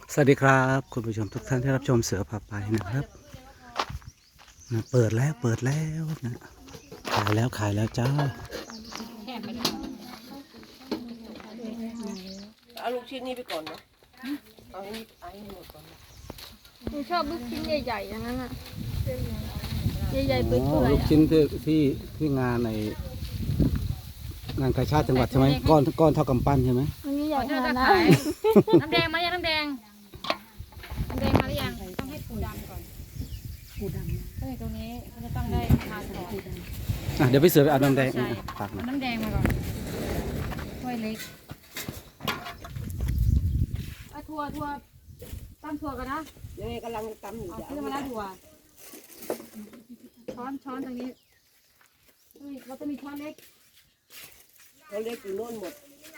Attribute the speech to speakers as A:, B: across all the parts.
A: สวัสดีครับคุณผู้ชมทุกท่านที่รับชมเสือพาไปนะครับนะเปิดแล้วนะขายแล้วจ้า
B: เอาลูกชิ้นนี้ไปก่อนเนาะเอาให้หมดก่อนนะ
C: หนูชอบลูกชิ้นใหญ่ๆอย่างนั้นอ่ะใหญ่ๆเปื่
A: อ๋อ
C: อย
A: ลูกชิ้นที่งานในงานกาชาติจังหวัดใช่ไหมก้อนเท่ากำปั้นใช่ไหม
C: ๆมันไม่ใหญ่
D: ก่อน
C: ข
D: ที่เรา
C: นาด
D: จะ
C: นั้น
D: ขายน้ำแดงมายังน้ำแดงมาหรือยังต้องให้ปูดำก่อนปูดำตรงนี้มันจะต้องได้ทานก่อน
A: เดี๋ยวไปเสือไปเอาน้ำแดง
D: ใช่
A: ฝากหน่อย
D: น้ำแดงมาก่อนถ้วยเล็กถั่วตั้งถั่วกันนะ
B: ยังไงกำลังตำอยู่
D: เอา
B: จะ
D: ซื้อมาแล้วถั่วช้อนตรงนี้เราจะมีช้อนเล็ก
B: เขาเรียกอยู่โน่นหมด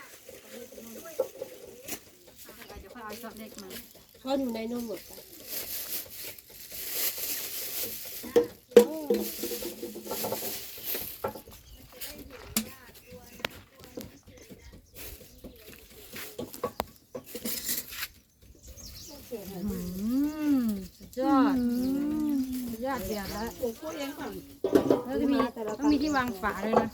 D: เดี๋ยวค่อยเอาช้อนเล็กมา
B: เขาอยู่ในโน่นหมดค่ะ
D: สุดยอดสุดยอดเดือดแล้วแล้วจะมีต้องมีที่วางฝาเลยนะ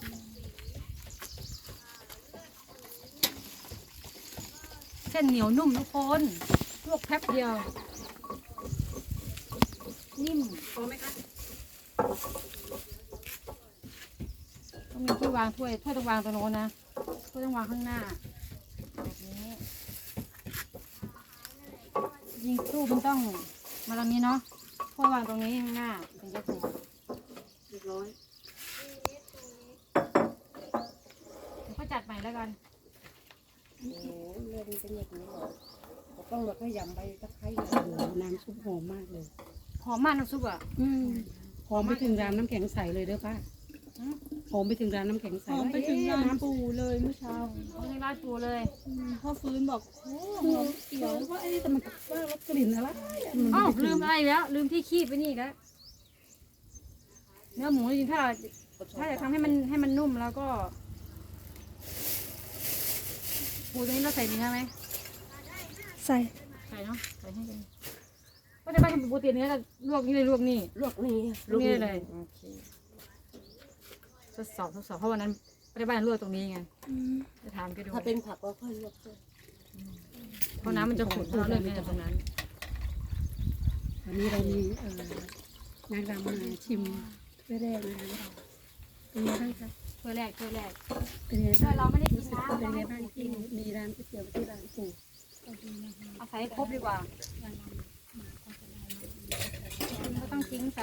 D: เส้นเหนียวนุ่มทุกคนลวกแป๊บเดียวนิ่มพอไหมคะต้องมีที่วางถ้วยต้องวางตรงโน้นนะถ้วยต้องวางข้างหน้าแบบนี้ยิงตู้มันต้องมาตรงนี้เนาะถ้วยวางตรงนี้ข้างหน้าถึงจะถูกเรียบร้อยเดี๋ยวก็จัดใหม่แล้วกัน
B: โอ้โหเล่นเป็นอย่างนี้เหรอเราต้องมาขยำใบตะไคร้
E: น้ำซุปหอมมากเลย
D: หอมมากน้ำซุปอ่ะ
E: หอมไปถึงร้านน้ำแข็งใสเลยเด้อป้าหอมไปถึงร้านน้ำแข็งใส
C: หอมไปถึงร้านปูเลยเมื่อเช้า
D: เอาในราดปูเลย
C: พ่อฟื้นบอกโอ้หอมเขียว
E: ว่าไอ้แต่มันว่ารสกลิ่นอะไร
D: อ้าวลืมอะไรอีกแล้วลืมที่คีบไปนี่อีกแล้วเนื้อหมูจริงๆถ้าจะทำให้มันนุ่มแล้วก็ปูตรงนี้เราใส่เนื้อไหม
C: ใส่
D: ใส่เนาะใส่ให้กันก็จะไปทำปูตีเนื้อแล้วลวกนี่เลยลวกนี่
B: ลวกนี่
D: ลวกนี่เลยโอเคทดสอบเพราะวันนั้นไปบ้านลวกตรงนี้ไงจะถามแกดู
B: ถ้าเป็นผักก็ค่อยลวกด้วย
D: เพราะน้ำมันจะขุ่นเพราะเราเลือกเนี่ยตรงนั้น
E: วันนี้เรามีนางรำมาชิมแรกนะคะเป็นไงบ้างคะ
D: ถ้วยแรก
E: เป็นไง
D: ถ้ว
E: บ้าย ง
D: เราไม่ได้กิน
E: รู้สึก
D: น้ำ
E: เป็นไงบ้างที่มีร้านก๋วยเตี๋ยวที่ร้านปู่
D: เอาใส่ให้ครบดีกว่าก็ต้องทิ้งใส่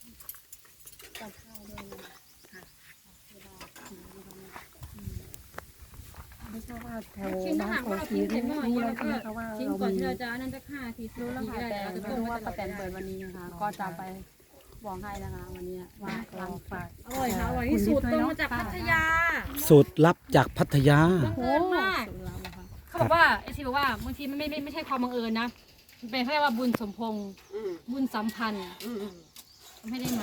E: ไม่ทราบว่าแถว
D: ชิ้น
E: บ้า
D: ถ้าน หาก
E: โพ
D: ว่าเรา
E: สี
D: ทิ้ง
E: นี่
D: เต็มหม้อ
E: รู้
D: นี้
E: แล้ว
D: แล้ว
E: ใช่
D: ก็
E: ไหมคะว่า
D: ทิ้ง
E: เรา
D: ก่อน
E: มี
D: ที่เราจะนั่นสัก5-10
E: รู้แล้วค่ะ
D: ได้
E: แต่
D: แล้วก็
E: ไม่
D: ต้ม
E: รู้
D: ไว้
E: ว่า
D: ต
E: ป้า
D: ลอด
E: แตนเปิดวันนี้นะคะก็จะไปบอกให้นะคะวันนี้ว่าทำฝาก
D: อร่อยค่ะอร่อยที่สุดตรงมาจากพัทยา
A: สูตรลับจากพัทยา
D: บังเอิญมากเขาบอกว่าไอซีบอกว่าบางทีมันไม่ใช่ความบังเอิญนะมันเป็นเขาเรียกว่าบุญสมพงษ์
B: อืม
D: บุญสัมพันธ์
B: อืม
D: ทำให้ได้มา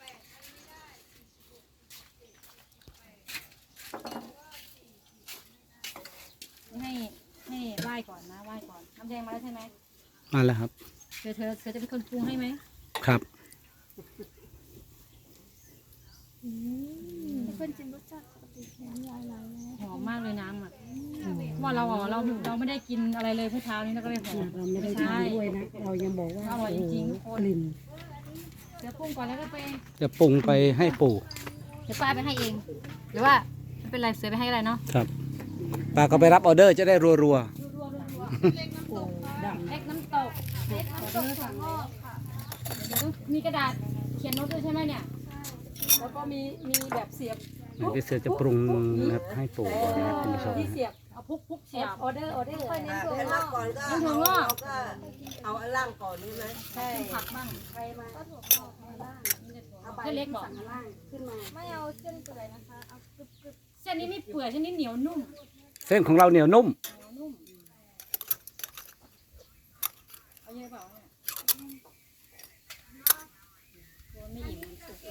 D: ให้ไหว้ก่อนนะไหว้ก่อนน้ำแดงมาแล้วใช่ไหม
A: มาแล้วครับ
D: เธอจะเป็นคนปรุงให้ไหม
A: ครับ
C: เพื่อนจิมรสชาติปกติน้ำลายไหลแล้ว
D: หอมมากเลยน้ำอ่ะว่าเราไม่ได้กินอะไรเลยเมื่อเช้านี้แล้วก็เลยหอม
E: เราไม่ได้ทานด้วยนะเรายังบอกว่า
D: อร่อยจริงๆทุกคน
E: กลิ่น
D: เดี๋ยวปรุงก่อนแล้วก็ไป
A: จะปรุงไปให้ปู่
D: เดี๋ยวป้าไปให้เองหรือว่าไม่เป็นไรเสือไปให้อะไรเนาะ
A: ครับป้าก็ไปรับออเดอร์จะได้รัว
D: เล็กน้ำตกเล็กน้ำตกค่ะเดี๋ยวต้องมีกระดาษเขียนโน้ตด้วยใช่ไหมเนี่ย
C: แล้วก็มีแบบเสียบ
A: ๆพี่เสือจะปรุงนะครับให้ปู่ก่อนนะครับคุณผู้ชม
C: ที่เสียบ
D: เอาพุกเสียบ
C: ออเดอร์ค่อยเน้น
B: ให้ล่างก่อนก็
D: น้ำถั่วงอก
B: เอาอันล่างก่อนใช่ไหม
D: ใช่ผักบ้าง
C: ใครมาก็ถั่วงอกมาบ้าง
D: เส้นเล็กบอก
C: ข้างล่างขึ้นมาไม่เอาเส้นเปื่อยนะคะเอากรึบ
D: เส้นนี้ไม่เปื่อยเส้นนี้เหนียวนุ่ม
A: เส้นของเราเหนียวนุ่ม
D: เอาเยอะเปล่าเนี่ยโดนไม่อิ่มสุกเลย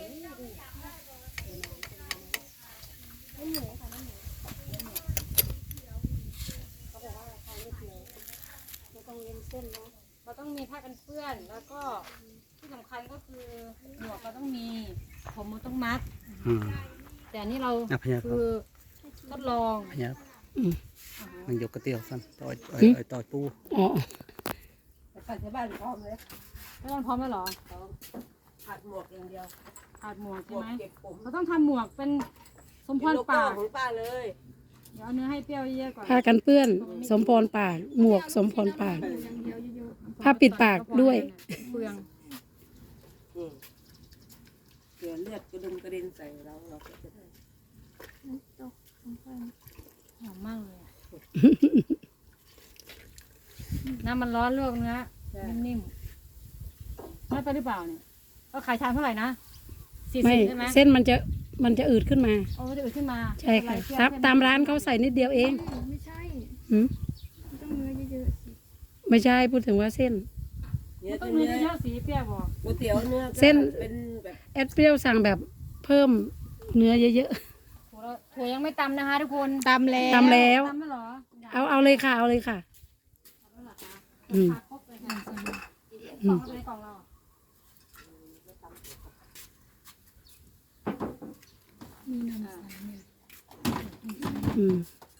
C: ๆเขาบอกว่าใครไม่เกี่ยวไม่ต้องเล่นเส้น
D: เราต้องมีผ้ากันเปื้อนแล้วก็ที่สำคัญก็คือหมวกเราต้องมีผมมันต้องมัด
A: อืม
D: แต่อันนี้เรา
A: อ่ะพญา
D: คือทดลอง
A: พญามันยกกระเตียวสั้นต่อยต่อยปู
E: อ๋อ
B: ไปปัดที่บ้านพร้อมเลย
D: ไม่ต้องพร้อมแล้วเหรอ
B: ผัดหมวกอย่างเดียว
D: ขาดหมวก
B: หม
D: ใช่
B: วก
D: ไหม
B: เก็บผม
D: เราต้องทำหมวกเป็นสมพ
B: เป็น
D: ร
B: โลโก้
D: ปาก
B: ของป้าเลย
D: เดี๋ยวเอาเนื้อให้เปรี้ยวเยอะๆก่อน
E: ผ้ากันเปื้อน สมพรปาก หมวกสมพรปาก ผ้าปิดปากด้วย
D: เปลือง
B: นี่เผื่อเลือดกระดุมกระเด็นใส่เราก็จะได้
D: หอมมากเลยอะน้ำมันร้อนลวกเนื้อนิ่มๆไม่ไปหรือเปล่าเนี่ยเราขายชามเท่าไหร่นะ40
E: ไม่
D: ใช่ไหม
E: เส้นมันจะอืดขึ้นมา
D: โอ้จะอืดขึ้นมา
E: ใช่ค่ะตามร้านเขาใส่นิดเดียวเอง
C: ไม่ใช่
E: หืม
C: ต้องเนื้อเยอะๆสิ
E: ไม่ใช่พูดถึงว่าเส้น
B: เนื้อ
D: ต้อง
B: เนื้
D: เนื้อ
B: อ
D: เยอะๆสีเปรี้ยวบอก
B: ก๋วยเตี๋ยวเนื้อก็
E: เส้น
B: เป็นแบบ
E: แอดเปรี้ยวสั่งแบบเพิ่มเนื้อเยอะ
D: ถั่วยังไม่ตำนะคะทุกคน
C: ตำแล้ว
E: ๆตำแล้ว
D: ตำไม่หรอ
E: เอาเลยค่ะ เอาเลยค่ะ อืม
D: ครบเลยค่ะกล่องเลยกล่องเรา
E: อืม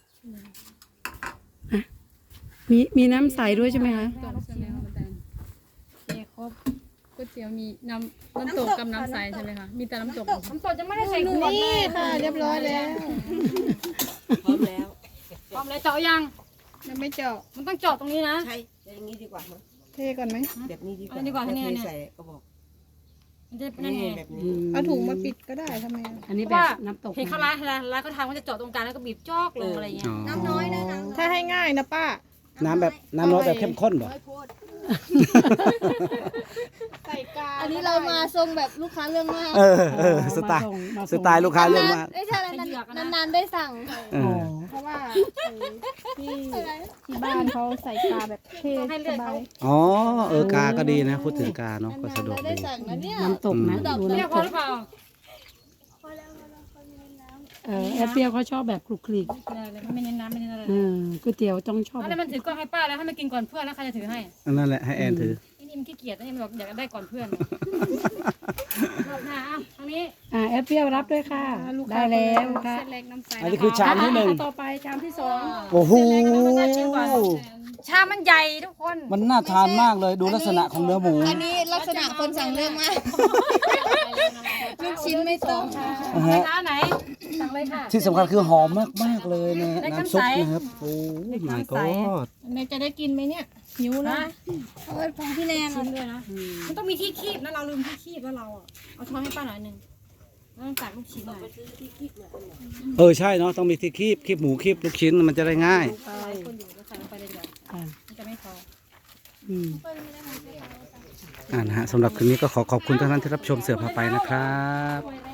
E: อ่ะมีน้ำใสด้วยใช่ไหมคะ
C: จบใช่ไหมคะอาจารย์ครบก๋วยเตี๋ยวมีน้ำตกกับน้ำใสใช่ไหมคะมีแต่น้ำตก
D: น้ำสดจะไม่ได้ใส่ขวด
C: นี่ค่ะ เรียบร้อยแล้ว
B: พร้อมแล้ว
D: พร้อมเลยเจาะยัง
C: ยังไม่เจาะ
D: มันต้องเจาะตรงนี้นะ
B: ใช่อย่างนี้ดีกว่ามั้ง
C: เทก่อนไหม
B: แบบนี้ดีกว่า
D: เอาดีกว่า
B: แล้ว
D: เนี่ย
B: เท
D: เนี่ย
B: ใส่กระบอก
D: มันจะเป็นยังไง
B: นี่แบบ
E: อื
B: นี้
E: ม
C: เอาถุงมาปิดก็ได้ทำไมอะ
E: อันนี้
D: เพ
E: แบ
D: ราะ
E: บ
D: ว่า
E: น้ำตก
D: เห็นเขาร้านเขาทำเขาจะเจาะตรงกลางแล้วก็บีบจอกลงอะไรเงี้ย
A: น้ำน้อยนะ
C: ถ้าให้ง่ายนะป้า
A: น้ำแบบน้ำร้อนแบบเข้มข้นเหรอ
C: ใส่กา
F: อันนี้เรามาทรงแบบลูกค้าเรื่องมาก
A: สไตล์
E: มา
A: สไตล์ลูกค้าเรื่องมาก
F: ไม่ใช่นานๆได้สั่ง
A: เออ
C: เพราะว่าที่บ้านเขาใส่กาแบบเท่
D: ต้องให้เลื
C: ส
D: อด
C: บา
D: เขา
C: ย
A: อ๋อ กาก็ดีนะ พูดถึงกาเนาะก็สะดวก
F: ได้
A: ดี
F: สั่งนะเนี่ย
E: น้ำตกนะดู
D: เรียก
E: น้ำ
D: พ
E: ต
D: อก หรือเปล่า
E: แอดเปรี้ยวเขาชอบแบบคลุกคลิก
D: ไม่เน้นน้ำไม่เน้นอะไร
E: ก๋วยเตี๋ยวต้องชอบ
D: แล้ว
E: แบบ
D: มันถือกล้องให้ป้าแล้วให้มันกินก่อนเพื่อนแล้วใครจะถือให้
A: นั่นแหละให้แอนถือ
D: นี่มันขี้เกียจนี่มันแบบอยากได้ก่อนเพื่อนรอบหน้าทางนี้
E: แอดเปรี้ยวรับด้วยค่ะ
C: ลูก
E: ได้
C: ค้า
E: แล้วค่ะ
C: เส้นเล็กน้ำใส
A: อันนี้คือชามที่หนึ่ง
E: ต่อไปชามที่สอง
A: โอ้โห
D: ชามมันใหญ่ทุกคน
A: มันน่าทานมากเลยดูลักษณะของเนื้อหมู
F: อันนี้ลักษณะคนสั่งเรื่องมากลูกชิ้นไม่ต้ม
A: นะ
D: ไป
A: ฮะ
D: ร้านไหนสั่งเลยค่ะ
A: ที่สำคัญคือหอมมากๆเลยนะน้ำซุปนะครับ โอ้ my god
C: แม่จะได้กินไหมเนี่ยหิวนะ
F: เออของพี่แนน
D: ชิ้นด้วยนะมันต้องมีที่คีบนะเราลืมที่คีบแล้วเราอ่ะเอาช้อนให้ป้าหน่อยหนึ่งแล้วต้องตักลูกชิ้นหน่อย
A: ใช่เนาะต้องมีที่คีบหมูคีบลูกชิ้นมันจะได้ง่าย
D: หลายคนอยู่แล้วใส่ลงไปเลยเดี๋ยว
E: อ่า
D: มันจะไม่พอ
E: อืม
A: นะฮะสำหรับคืนนี้ก็ขอขอบคุณทุกท่านที่รับชมเสือพาไปนะครับ